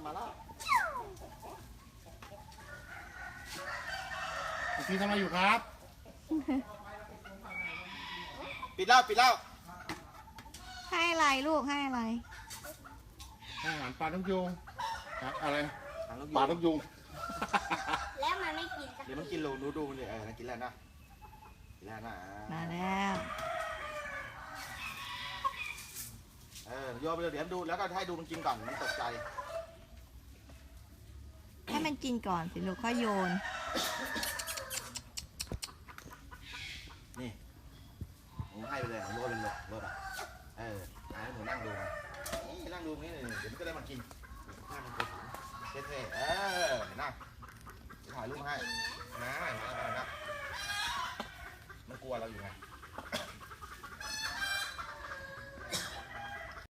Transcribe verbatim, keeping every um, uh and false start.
มาแล้วพี่ทำอะไรอยู่ครับปิดแล้วปิดแล้วให้อะไรลูกให้อะไรอาหารปลาต้องยุงอะไรปลาต้องยุงแล้วมันไม่กินเดี๋ยวมันกินโลนูดูมันเลยเออกินแล้วนะกินแล้วนะมาแล้วเออโยนไปเลยเดี๋ยวดูแล้วก็ให้ดูมันกินก่อนมันตกใจให้มันกินก่อนสิลูกค่อยโยนนี่หนูให้ไปเลยหนูโยนเป็นรถรถอ่ะเออให้หนูนั่งดูมันนี่นั่งดูนี่เดี๋ยวมันก็ได้มากินข้าวมันกดเท่ๆเออนั่งถ่ายรูปให้นะนะนะมันกลัวเราอยู่ไง